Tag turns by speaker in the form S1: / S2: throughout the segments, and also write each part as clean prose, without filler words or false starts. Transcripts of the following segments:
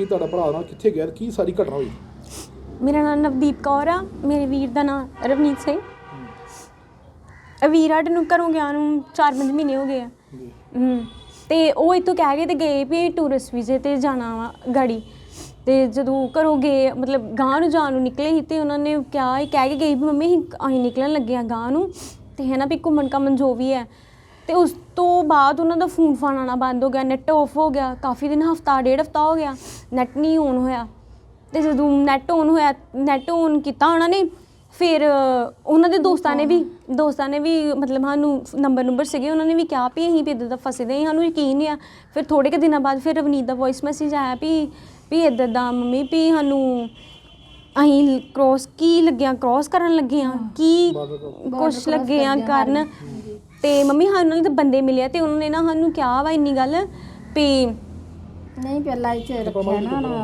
S1: ਕੀ ਤੁਹਾਡਾ ਭਰਾ ਨਾਲ ਕਿੱਥੇ ਗਿਆ, ਕੀ ਸਾਰੀ ਘਟਨਾ ਹੋਈ?
S2: ਮੇਰਾ ਨਾਮ ਨਵਦੀਪ ਕੌਰ ਆ, ਮੇਰੇ ਵੀਰ ਦਾ ਨਾਮ ਰਵਨੀਤ ਸਿੰਘ। ਵੀਰ ਸਾਡੇ ਨੂੰ ਘਰੋਂ ਗਿਆ ਨੂੰ 4-5 ਮਹੀਨੇ ਹੋ ਗਏ ਆ। ਤੇ ਉਹ ਇੱਥੋਂ ਕਹਿ ਕੇ ਤੇ ਗਏ ਵੀ ਟੂਰਿਸਟ ਵੀਜ਼ੇ ਤੇ ਜਾਣਾ ਵਾ ਗਾੜੀ। ਤੇ ਜਦੋਂ ਘਰੋਂ ਗਏ ਮਤਲਬ ਗਾਂਹ ਨੂੰ ਜਾਣ ਨੂੰ ਨਿਕਲੇ ਸੀ ਤੇ ਉਹਨਾਂ ਨੇ ਕਿਹਾ ਇਹ ਕਹਿ ਕੇ ਗਈ ਵੀ ਮੰਮੀ ਅਸੀਂ ਨਿਕਲਣ ਲੱਗੇ ਹਾਂ ਗਾਂਹ ਨੂੰ, ਤੇ ਹੈ ਨਾ ਵੀ ਘੁੰਮਣ ਘਾਮਣ ਜੋ ਵੀ ਹੈ। ਤੇ ਉਸ ਤੋਂ ਬਾਅਦ ਉਹਨਾਂ ਦਾ ਫੋਨ ਫਾਨ ਆਉਣਾ ਬੰਦ ਹੋ ਗਿਆ, ਨੈੱਟ ਆਫ ਹੋ ਗਿਆ ਕਾਫੀ ਦਿਨ, ਹਫ਼ਤਾ 1.5 ਹਫ਼ਤਾ ਹੋ ਗਿਆ ਨੈੱਟ ਨਹੀਂ ਔਨ ਹੋਇਆ। ਤੇ ਜਦੋਂ ਨੈੱਟ ਔਨ ਹੋਇਆ, ਨੈੱਟ ਔਨ ਕੀਤਾ ਉਹਨਾਂ ਨੇ, ਫਿਰ ਉਹਨਾਂ ਦੇ ਦੋਸਤਾਂ ਨੇ ਵੀ ਮਤਲਬ ਸਾਨੂੰ ਨੰਬਰ ਸੀਗੇ, ਉਹਨਾਂ ਨੇ ਵੀ ਕਿਹਾ ਵੀ ਅਸੀਂ ਵੀ ਇੱਦਾਂ ਦਾ ਫਸੇ ਦੇ, ਸਾਨੂੰ ਯਕੀਨ ਨਹੀਂ ਆ। ਫਿਰ ਥੋੜ੍ਹੇ ਕੁ ਦਿਨਾਂ ਬਾਅਦ ਫਿਰ ਰਵਨੀਤ ਦਾ ਵੋਇਸ ਮੈਸੇਜ ਆਇਆ ਵੀ ਇੱਦਾਂ ਦਾ ਮੰਮੀ ਵੀ ਸਾਨੂੰ ਅਸੀਂ ਕ੍ਰੋਸ ਕਰਨ ਲੱਗੇ ਹਾਂ, ਕੀ ਕੁਛ ਲੱਗੇ ਆ ਕਰਨ। ਤੇ ਮੰਮੀ ਸਾਨੂੰ ਨਾਲ ਤਾਂ ਬੰਦੇ ਮਿਲੇ ਤੇ ਉਹਨਾਂ ਨੇ ਨਾ ਸਾਨੂੰ ਕਿਹਾ ਵਾ ਇੰਨੀ ਗੱਲ ਵੀ
S3: ਨਹੀਂ ਪਹਿਲਾਂ ਇੱਥੇ ਰੱਖਿਆ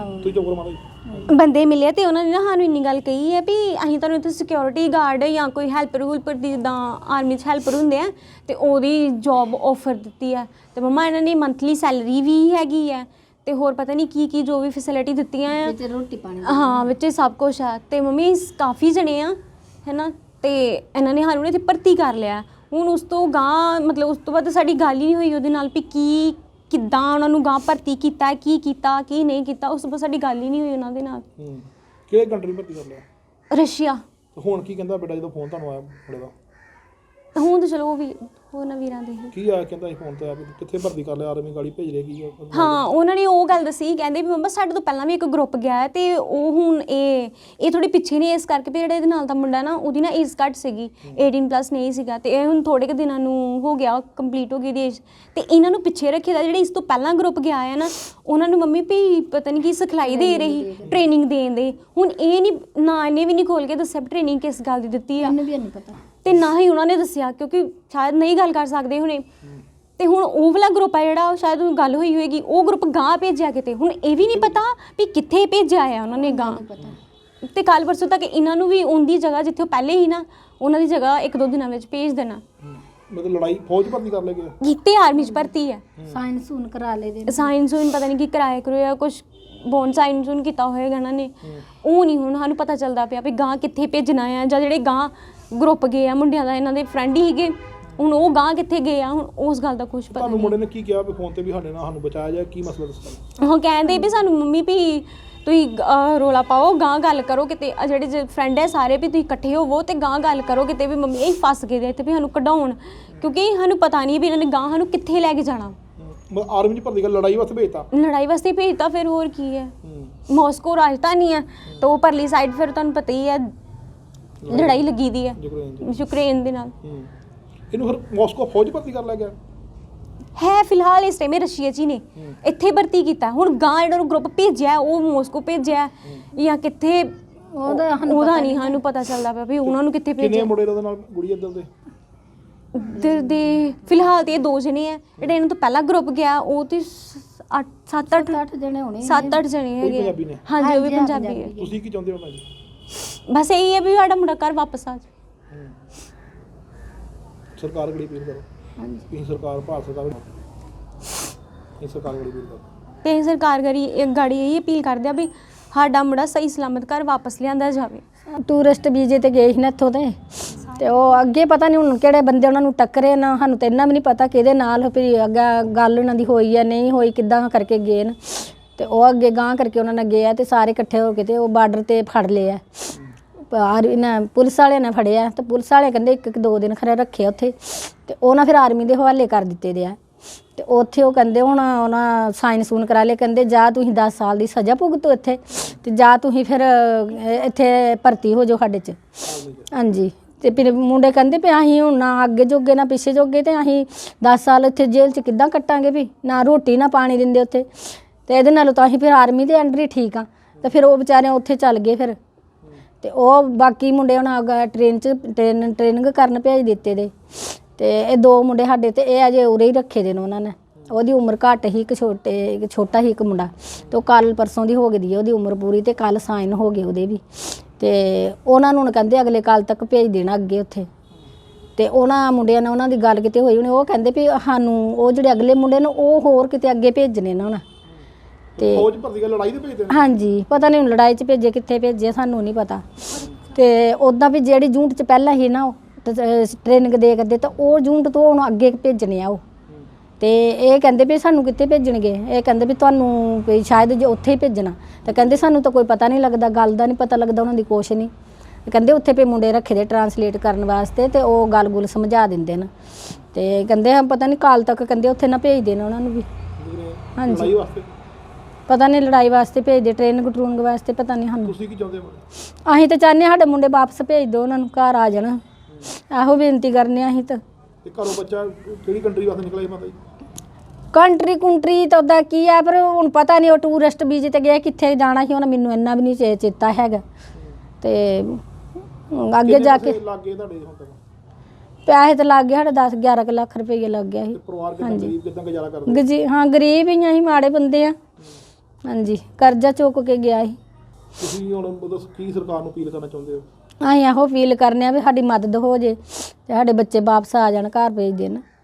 S3: ਨਾ
S2: ਬੰਦੇ ਮਿਲੇ ਤੇ ਉਹਨਾਂ ਨੇ ਨਾ ਸਾਨੂੰ ਇੰਨੀ ਗੱਲ ਕਹੀ ਹੈ ਵੀ ਅਸੀਂ ਤੁਹਾਨੂੰ ਇੱਥੇ ਸਿਕਿਉਰਿਟੀ ਗਾਰਡ ਜਾਂ ਕੋਈ ਹੈਲਪਰ ਦੀ ਜਿੱਦਾਂ ਆਰਮੀ 'ਚ ਹੈਲਪਰ ਹੁੰਦੇ ਆ ਤੇ ਉਹਦੀ ਜੋਬ ਆਫਰ ਦਿੱਤੀ ਹੈ। ਤੇ ਮੰਮਾ ਇਹਨਾਂ ਨੇ ਮੰਥਲੀ ਸੈਲਰੀ ਵੀ ਹੈਗੀ ਹੈ ਤੇ ਹੋਰ ਪਤਾ ਨਹੀਂ ਕੀ ਜੋ ਵੀ ਫੈਸਿਲਿਟੀ ਦਿੱਤੀਆਂ ਆ
S3: ਵਿੱਚ ਰੋਟੀ ਪਾਣੀ
S2: ਹਾਂ ਵਿੱਚ ਸਭ ਕੁਛ ਹੈ। ਤੇ ਮੰਮੀ ਕਾਫੀ ਜਣੇ ਆ ਹੈ ਨਾ, ਤੇ ਇਹਨਾਂ ਨੇ ਸਾਨੂੰ ਇੱਥੇ ਭਰਤੀ ਕਰ ਲਿਆ। ਹੁਣ ਉਸ ਤੋਂ ਗਾਂਹ ਮਤਲਬ ਉਸ ਤੋਂ ਬਾਅਦ ਸਾਡੀ ਗੱਲ ਹੀ ਨਹੀਂ ਹੋਈ ਉਹਦੇ ਨਾਲ ਵੀ ਕਿੱਦਾਂ ਉਹਨਾਂ ਨੂੰ ਗਾਂਹ ਭਰਤੀ ਕੀਤਾ, ਕੀ ਨਹੀਂ ਕੀਤਾ। ਉਸ ਤੋਂ ਬਾਅਦ ਸਾਡੀ ਗੱਲ ਹੀ ਨਹੀਂ ਹੋਈ ਉਹਨਾਂ ਦੇ ਨਾਲ।
S1: ਕਿਹੜੇ ਕੰਟਰੀ ਭਰਤੀ ਕਰ ਲਿਆ?
S2: ਰਸ਼ੀਆ।
S1: ਹੁਣ ਕੀ ਕਹਿੰਦਾ ਬੇਟਾ ਜਦੋਂ ਫੋਨ ਤੁਹਾਨੂੰ ਆਇਆ ਮੁੰਡੇ ਦਾ?
S2: ਹੁਣ ਤਾਂ ਚਲੋ ਉਹ ਵੀ ਹੋਰ ਨਾ ਵੀਰਾਂ ਦੇ
S1: ਕੀ ਆਇਆ ਕਹਿੰਦਾ ਫੋਨ ਤੇ ਆ ਵੀ ਕਿੱਥੇ ਭਰਤੀ ਕਰ ਲਿਆ, ਆਰਮੀ ਗਾੜੀ ਭੇਜ ਰਹੇ ਕੀ?
S2: ਹਾਂ ਉਹਨਾਂ ਨੇ ਉਹ ਗੱਲ ਦੱਸੀ, ਕਹਿੰਦੇ ਵੀ ਮੰਮਾ ਸਾਡੇ ਤੋਂ ਪਹਿਲਾਂ ਵੀ ਇੱਕ ਗਰੁੱਪ ਗਿਆ ਹੈ ਤੇ ਉਹ ਹੁਣ ਇਹ ਥੋੜੀ ਪਿੱਛੇ ਨੇ ਇਸ ਕਰਕੇ ਵੀ ਜਿਹੜਾ ਇਹਦੇ ਨਾਲ ਦਾ ਮੁੰਡਾ ਨਾ ਉਹਦੀ ਨਾ ਏਜ ਘੱਟ ਸੀਗੀ, 18+ ਨਹੀਂ ਸੀਗਾ ਤੇ ਇਹ ਹੁਣ ਥੋੜੇ ਕੁ ਦਿਨਾਂ ਨੂੰ ਹੋ ਗਿਆ, ਕੰਪਲੀਟ ਹੋ ਗਈ ਦੀ ਏਜ। ਤੇ ਇਹਨਾਂ ਨੂੰ ਪਿੱਛੇ ਰੱਖੇ ਦਾ ਜਿਹੜੇ ਇਸ ਤੋਂ ਪਹਿਲਾਂ ਗਰੁੱਪ ਗਿਆ ਹੈ ਨਾ, ਉਹਨਾਂ ਨੂੰ ਮੰਮੀ ਵੀ ਪਤਾ ਨਹੀਂ ਕੀ ਸਿਖਲਾਈ ਦੇ ਰਹੀ, ਟ੍ਰੇਨਿੰਗ ਦੇਣ ਦੇ। ਹੁਣ ਇਹ ਨਹੀਂ ਨਾ ਇਹਨੇ ਵੀ ਨਹੀਂ ਖੋਲ ਕੇ ਦੱਸਿਆ ਵੀ ਟ੍ਰੇਨਿੰਗ ਕਿਸ ਗੱਲ ਦੀ ਦਿੱਤੀ ਆ,
S3: ਮੈਨੂੰ ਵੀ ਨਹੀਂ ਪਤਾ
S2: ਤੇ ਨਾ ਹੀ ਉਹਨਾਂ ਨੇ ਦੱਸਿਆ ਕਿਉਂਕਿ ਸ਼ਾਇਦ ਨਹੀਂ ਗੱਲ ਕਰ ਸਕਦੇ ਹੁਣੇ। ਤੇ ਹੁਣ ਉਹ ਵਾਲਾ ਗਰੁੱਪ ਆ ਜਿਹੜਾ ਸ਼ਾਇਦ ਉਹ ਗੱਲ ਹੋਈ ਹੋਏਗੀ, ਉਹ ਗਰੁੱਪ ਗਾਂਹ ਭੇਜਿਆ ਕਿਤੇ। ਹੁਣ ਇਹ ਵੀ ਨਹੀਂ ਪਤਾ ਵੀ ਕਿੱਥੇ ਭੇਜਿਆ ਆ ਉਹਨਾਂ ਨੇ ਗਾਂਹ। ਤੇ ਕੱਲ੍ਹ ਪਰਸੋਂ ਤੱਕ ਇਹਨਾਂ ਨੂੰ ਵੀ ਉਹਦੀ ਜਗ੍ਹਾ ਜਿੱਥੇ ਉਹ ਪਹਿਲੇ ਹੀ ਨਾ ਉਹਨਾਂ ਦੀ ਜਗ੍ਹਾ 1-2 ਦਿਨਾਂ ਵਿੱਚ ਭੇਜ ਦੇਣਾ।
S1: ਮਤਲਬ ਲੜਾਈ ਫੌਜ ਭਰਤੀ ਕਰ ਲੇਗੇ
S2: ਕੀਤੇ ਆਰਮੀ 'ਚ ਭਰਤੀ ਹੈ,
S3: ਸਾਇੰਸ ਹੁਣ ਕਰਾ ਲਏ ਦੇ
S2: ਸਾਇੰਸ ਹੁਣ ਪਤਾ ਨਹੀਂ ਕੀ ਕਰਾਇਆ ਕੁਛ ਬੋਨ ਸਾਇੰਸ ਹੁਣ ਕੀਤਾ ਹੋਏਗਾ ਇਹਨਾਂ ਨੇ। ਉਹ ਨਹੀਂ ਹੁਣ ਸਾਨੂੰ ਪਤਾ ਚੱਲਦਾ ਪਿਆ ਵੀ ਗਾਂਹ ਕਿੱਥੇ ਭੇਜਣਾ ਆ, ਜਾਂ ਜਿਹੜੇ ਗਾਂਹ ਗਰੁੱਪ ਗਏ ਆ ਮੁੰਡਿਆਂ ਦਾ, ਇਹਨਾਂ ਦੇ ਫਰੈਂਡ ਹੀ ਸੀਗੇ, ਹੁਣ ਉਹ ਗਾਂਹ ਕਿੱਥੇ ਗਏ ਆ, ਹੁਣ ਉਸ ਗੱਲ ਦਾ ਕੁਛ ਪਤਾ ਨਹੀਂ।
S1: ਤੁਹਾਨੂੰ ਮੁੰਡੇ ਨੇ ਕੀ ਕਿਹਾ ਵੀ ਫੋਨ ਤੇ ਵੀ ਸਾਡੇ ਨਾਲ ਸਾਨੂੰ ਬਚਾਇਆ ਜਾਏ, ਕੀ ਮਸਲਾ ਦੱਸਣਾ?
S2: ਉਹ ਕਹਿੰਦੇ ਵੀ ਸਾਨੂੰ ਮੰਮੀ ਵੀ ਤੁਸੀਂ ਰੌਲਾ ਪਾਓ, ਗਾਂਹ ਗੱਲ ਕਰੋ ਕਿਤੇ, ਜਿਹੜੇ ਫਰੈਂਡ ਹੈ ਸਾਰੇ ਵੀ ਤੁਸੀਂ ਇਕੱਠੇ ਹੋਵੋ ਤੇ ਗਾਂਹ ਗੱਲ ਕਰੋ ਕਿਤੇ ਵੀ ਮੰਮੀ ਇਹ ਫਸ ਗਏ ਦੇ ਇੱਥੇ ਵੀ ਸਾਨੂੰ ਕਢਾਉਣ, ਕਿਉਂਕਿ ਸਾਨੂੰ ਪਤਾ ਨਹੀਂ ਵੀ ਇਹਨਾਂ ਨੇ ਗਾਂਹ ਸਾਨੂੰ ਕਿੱਥੇ ਲੈ ਕੇ ਜਾਣਾ।
S1: ਮਤਲਬ ਆਰਮੀ 'ਚ ਭਰਤੀ ਕਰ ਲੜਾਈ ਵਾਸਤੇ ਭੇਜਤਾ?
S2: ਲੜਾਈ ਵਾਸਤੇ ਭੇਜਤਾ, ਫਿਰ ਹੋਰ ਕੀ ਹੈ। ਮਾਸਕੋ ਰਾਜਧਾਨੀ ਹੈ ਤਾਂ ਉਹ ਪਰਲੀ ਸਾਈਡ ਫਿਰ ਤੁਹਾਨੂੰ ਪਤਾ ਹੀ ਹੈ ਲੜਾਈ ਲੱਗੀ ਦੀ ਹੈ ਯੂਕਰੇਨ ਦੇ ਨਾਲ।
S1: ਇਹਨੂੰ ਫਿਰ ਮਾਸਕੋ ਫੌਜ ਭਰਤੀ ਕਰ ਲਿਆ ਗਿਆ
S2: ਹੈ ਫਿਲਹਾਲ ਇਸ ਟਾਈਮ ਰਸ਼ੀਆ 'ਚ ਹੀ ਨੇ, ਇੱਥੇ ਭਰਤੀ ਕੀਤਾ। ਹੁਣ ਗਾਂਹ ਜਿਹੜਾ ਨੂੰ ਗਰੁੱਪ ਭੇਜਿਆ ਉਹ ਮਾਸਕੋ ਭੇਜਿਆ ਜਾਂ ਕਿੱਥੇ ਉਹਦਾ ਨਹੀਂ ਸਾਨੂੰ ਪਤਾ ਚੱਲਦਾ ਪਿਆ ਵੀ ਉਹਨਾਂ ਨੂੰ ਕਿੱਥੇ ਭੇਜਿਆ।
S1: ਕਿੰਨੇ ਮੁੰਡੇ ਉਹਦੇ ਨਾਲ ਗੁੜੀ ਇੱਧਰ
S2: ਦੇ ਫਿਲਹਾਲ ਤੇ ਇਹ 2 ਜਣੇ ਆ। ਜਿਹੜਾ ਇਹਨਾਂ ਤੋਂ ਪਹਿਲਾਂ ਗਰੁੱਪ ਗਿਆ ਉਹ ਤੇ 7-8
S3: ਜਣੇ ਹੋਣੇ,
S2: 7-8 ਜਣੇ ਹੈਗੇ। ਹਾਂਜੀ ਉਹ ਵੀ ਪੰਜਾਬੀ ਹੈ।
S1: ਤੁਸੀਂ ਕੀ ਚਾਹੁੰਦੇ ਹੋ ਭਾਜੀ?
S2: ਬਸ ਇਹੀ ਹੈ ਵੀ ਸਾਡਾ ਮੁੰਡਾ ਘਰ ਵਾਪਸ ਆ ਜਾਵੇ।
S1: ਸਰਕਾਰ ਗੜੀ ਅਪੀਲ ਕਰੋ। ਹਾਂਜੀ ਸਰਕਾਰ ਭਾਰਤ ਸਰਕਾਰ ਇਹ ਸਰਕਾਰ ਗੜੀ ਅਪੀਲ ਕਰੋ
S2: ਤੇ ਸਰਕਾਰ ਗਾੜੀ ਇਹ ਅਪੀਲ ਕਰਦੇ ਆ ਵੀ ਸਾਡਾ ਮੁੰਡਾ ਸਹੀ ਸਲਾਮਤ ਘਰ ਵਾਪਸ ਲਿਆਂਦਾ ਜਾਵੇ।
S3: ਟੂਰਿਸਟ ਵੀਜ਼ੇ ਤੇ ਗਏ ਸੀ ਨਾ ਇੱਥੋਂ ਤੇ ਉਹ ਅੱਗੇ ਪਤਾ ਨਹੀਂ ਹੁਣ ਕਿਹੜੇ ਬੰਦੇ ਉਹਨਾਂ ਨੂੰ ਟੱਕਰੇ ਨਾ, ਸਾਨੂੰ ਤਾਂ ਇੰਨਾ ਵੀ ਨਹੀਂ ਪਤਾ ਕਿਹਦੇ ਨਾਲ ਵੀ ਅੱਗੇ ਗੱਲ ਉਹਨਾਂ ਦੀ ਹੋਈ ਆ ਨਹੀਂ ਹੋਈ, ਕਿੱਦਾਂ ਕਰਕੇ ਗਏ ਨੇ। ਤੇ ਉਹ ਅੱਗੇ ਗਾਂਹ ਕਰਕੇ ਉਹਨਾਂ ਨਾਲ ਗਏ ਆ ਤੇ ਸਾਰੇ ਇਕੱਠੇ ਹੋ ਕੇ ਤੇ ਉਹ ਬਾਰਡਰ ਤੇ ਫੜ ਲਏ ਆ। ਇਹਨਾਂ ਪੁਲਿਸ ਵਾਲਿਆਂ ਨੇ ਫੜਿਆ ਤੇ ਪੁਲਿਸ ਵਾਲੇ ਕਹਿੰਦੇ 1-2 ਦਿਨ ਖਰੇ ਰੱਖੇ ਉੱਥੇ ਤੇ ਉਹਨਾਂ ਫਿਰ ਆਰਮੀ ਦੇ ਹਵਾਲੇ ਕਰ ਦਿੱਤੇ ਦੇ ਆ। ਤੇ ਉੱਥੇ ਉਹ ਕਹਿੰਦੇ ਹੁਣ ਉਹਨਾਂ ਸਾਈਨ ਸੂਨ ਕਰਾ ਲਏ, ਕਹਿੰਦੇ ਜਾਂ ਤੁਸੀਂ 10 ਸਾਲ ਦੀ ਸਜ਼ਾ ਭੁਗਤੋ ਇੱਥੇ ਤੇ ਜਾਂ ਤੁਸੀਂ ਫਿਰ ਇੱਥੇ ਭਰਤੀ ਹੋ ਜਾਓ ਸਾਡੇ 'ਚ। ਹਾਂਜੀ ਤੇ ਫਿਰ ਮੁੰਡੇ ਕਹਿੰਦੇ ਵੀ ਅਸੀਂ ਹੁਣ ਨਾ ਅੱਗੇ ਜੋਗੇ ਨਾ ਪਿੱਛੇ ਜੋਗੇ ਤੇ ਅਸੀਂ 10 ਸਾਲ ਇੱਥੇ ਜੇਲ੍ਹ 'ਚ ਕਿੱਦਾਂ ਕੱਟਾਂਗੇ ਵੀ, ਨਾ ਰੋਟੀ ਨਾ ਪਾਣੀ ਦਿੰਦੇ ਉੱਥੇ। ਤੇ ਇਹਦੇ ਨਾਲੋਂ ਤਾਂ ਅਸੀਂ ਫਿਰ ਆਰਮੀ ਦੇ ਅੰਡਰ ਹੀ ਠੀਕ ਆ। ਤੇ ਫਿਰ ਉਹ ਵਿਚਾਰੇ ਉੱਥੇ ਚੱਲ ਗਏ ਫਿਰ। ਤੇ ਉਹ ਬਾਕੀ ਮੁੰਡੇ ਹੁਣ ਟ੍ਰੇਨਿੰਗ ਕਰਨ ਭੇਜ ਦਿੱਤੇ ਦੇ। ਤੇ ਇਹ 2 ਮੁੰਡੇ ਸਾਡੇ ਤੇ ਇਹ ਅਜੇ ਉਰੇ ਹੀ ਰੱਖੇ ਦੇ ਨੇ ਉਹਨਾਂ ਨੇ। ਉਹਦੀ ਉਮਰ ਘੱਟ ਹੀ, ਇੱਕ ਛੋਟਾ ਹੀ ਇੱਕ ਮੁੰਡਾ ਤੇ ਉਹ ਕੱਲ ਪਰਸੋਂ ਦੀ ਹੋ ਗਈ ਉਹਦੀ ਉਮਰ ਪੂਰੀ ਤੇ ਕੱਲ ਸਾਈਨ ਹੋ ਗਏ ਉਹਦੇ ਵੀ। ਤੇ ਉਹਨਾਂ ਨੂੰ ਕਹਿੰਦੇ ਅਗਲੇ ਕੱਲ ਤੱਕ ਭੇਜ ਦੇਣਾ ਅੱਗੇ ਉੱਥੇ। ਤੇ ਉਹਨਾਂ ਮੁੰਡਿਆਂ ਨਾਲ ਉਹਨਾਂ ਦੀ ਗੱਲ ਕਿਤੇ ਹੋਈ ਉਹਨੇ, ਉਹ ਕਹਿੰਦੇ ਵੀ ਸਾਨੂੰ ਉਹ ਜਿਹੜੇ ਅਗਲੇ ਮੁੰਡੇ ਨੇ ਉਹ ਹੋਰ ਕਿਤੇ ਅੱਗੇ ਭੇਜਣੇ ਨਾ ਉਹਨਾਂ ਤੇ
S1: ਫੌਜ ਭਰਤੀ ਕਰ ਲੜਾਈ ਦੇ ਭੇਜਦੇ ਨੇ?
S3: ਹਾਂਜੀ, ਪਤਾ ਨਹੀਂ ਹੁਣ ਲੜਾਈ 'ਚ ਭੇਜੇ ਕਿੱਥੇ ਭੇਜੇ ਸਾਨੂੰ ਨਹੀਂ ਪਤਾ। ਤੇ ਉੱਦਾਂ ਵੀ ਜਿਹੜੀ ਯੂਨਿਟ 'ਚ ਪਹਿਲਾਂ ਸੀ ਨਾ ਉਹ ਟ੍ਰੇਨਿੰਗ ਦੇ ਕਰਦੇ ਤਾਂ ਉਹ ਯੂਨਿਟ ਤੋਂ ਹੁਣ ਅੱਗੇ ਭੇਜਣੇ ਆ ਉਹ। ਤੇ ਇਹ ਕਹਿੰਦੇ ਵੀ ਸਾਨੂੰ ਕਿੱਥੇ ਭੇਜਣਗੇ, ਇਹ ਕਹਿੰਦੇ ਵੀ ਤੁਹਾਨੂੰ ਵੀ ਸ਼ਾਇਦ ਜੇ ਉੱਥੇ ਹੀ ਭੇਜਣਾ। ਤੇ ਕਹਿੰਦੇ ਸਾਨੂੰ ਤਾਂ ਕੋਈ ਪਤਾ ਨਹੀਂ ਲੱਗਦਾ, ਗੱਲ ਦਾ ਨਹੀਂ ਪਤਾ ਲੱਗਦਾ, ਉਹਨਾਂ ਦੀ ਕੁਛ ਨਹੀਂ। ਕਹਿੰਦੇ ਉੱਥੇ ਪੇ ਮੁੰਡੇ ਰੱਖੇ ਦੇ ਟਰਾਂਸਲੇਟ ਕਰਨ ਵਾਸਤੇ ਤੇ ਉਹ ਗੱਲ ਗੁੱਲ ਸਮਝਾ ਦਿੰਦੇ ਨੇ। ਤੇ ਕਹਿੰਦੇ ਪਤਾ ਨਹੀਂ ਕਾਲ ਤੱਕ ਕਹਿੰਦੇ ਉੱਥੇ ਨਾ ਭੇਜ ਦੇਣ ਉਹਨਾਂ ਨੂੰ ਵੀ। ਹਾਂਜੀ,
S1: ਲੜਾਈ ਵਾਸਤੇ
S3: ਪਤਾ ਨਹੀਂ ਲੜਾਈ ਵਾਸਤੇ ਭੇਜਦੇ, ਟ੍ਰੇਨਿੰਗ ਟਰੂਨਿੰਗ ਵਾਸਤੇ ਪਤਾ ਨਹੀਂ ਸਾਨੂੰ।
S1: ਤੁਸੀਂ ਕੀ ਚਾਹੁੰਦੇ ਹੋ?
S3: ਅਸੀਂ ਤਾਂ ਚਾਹੁੰਦੇ ਸਾਡੇ ਮੁੰਡੇ ਵਾਪਸ ਭੇਜ ਦਿਓ, ਉਹਨਾਂ ਨੂੰ ਘਰ ਆ ਜਾਣ, ਇਹੋ ਬੇਨਤੀ ਕਰਨੇ ਆ ਅਸੀਂ ਤਾਂ।
S1: ਤੇ ਘਰੋਂ ਬੱਚਾ ਕਿਹੜੀ ਕੰਟਰੀ ਵਾਸਤੇ ਨਿਕਲਿਆ ਜੀ ਮਾਤਾ ਜੀ?
S3: ਕੰਟਰੀ ਤਾਂ ਉਹਦਾ ਕੀ ਆ, ਪਰ ਹੁਣ ਪਤਾ ਨਹੀਂ ਉਹ ਟੂਰਿਸਟ ਵੀਜ਼ੇ ਤੇ ਗਿਆ, ਕਿੱਥੇ ਜਾਣਾ ਸੀ ਉਹਨਾਂ ਮੈਨੂੰ ਇੰਨਾ ਵੀ ਨਹੀਂ ਚੇਤਾ ਹੈਗਾ। ਤੇ ਅੱਗੇ ਜਾ ਕੇ
S1: ਲੱਗ ਗਏ ਤੁਹਾਡੇ ਹੁਣ ਤੱਕ
S3: ਪੈਸੇ ਤਾਂ ਲੱਗ ਗਏ ਸਾਡੇ 10-11 ਲੱਖ ਰੁਪਏ ਲੱਗ ਗਿਆ ਸੀ।
S1: ਤੇ ਪਰਿਵਾਰ ਕਿੰਨਾ ਗਰੀਬ, ਕਿੱਦਾਂ ਗੁਜ਼ਾਰਾ ਕਰਦੇ?
S3: ਹਾਂ ਗਰੀਬ ਹੀ ਆ, ਅਸੀਂ ਮਾੜੇ ਬੰਦੇ ਆ। ਹਾਂਜੀ, ਕਰਜ਼ਾ ਚੁੱਕ ਕੇ ਗਿਆ ਸੀ।
S1: ਤੁਸੀਂ ਹੁਣ ਮਤਲਬ ਕੀ ਸਰਕਾਰ ਨੂੰ ਅਪੀਲ ਕਰਨਾ ਚਾਹੁੰਦੇ ਹੋ?
S3: ਅਸੀਂ ਇਹੋ ਅਪੀਲ ਕਰਨੇ ਆ ਵੀ ਸਾਡੀ ਮਦਦ ਹੋ ਜੇ ਤੇ ਸਾਡੇ ਬੱਚੇ ਵਾਪਸ ਆ ਜਾਣ, ਘਰ ਭੇਜ ਦੇਣ।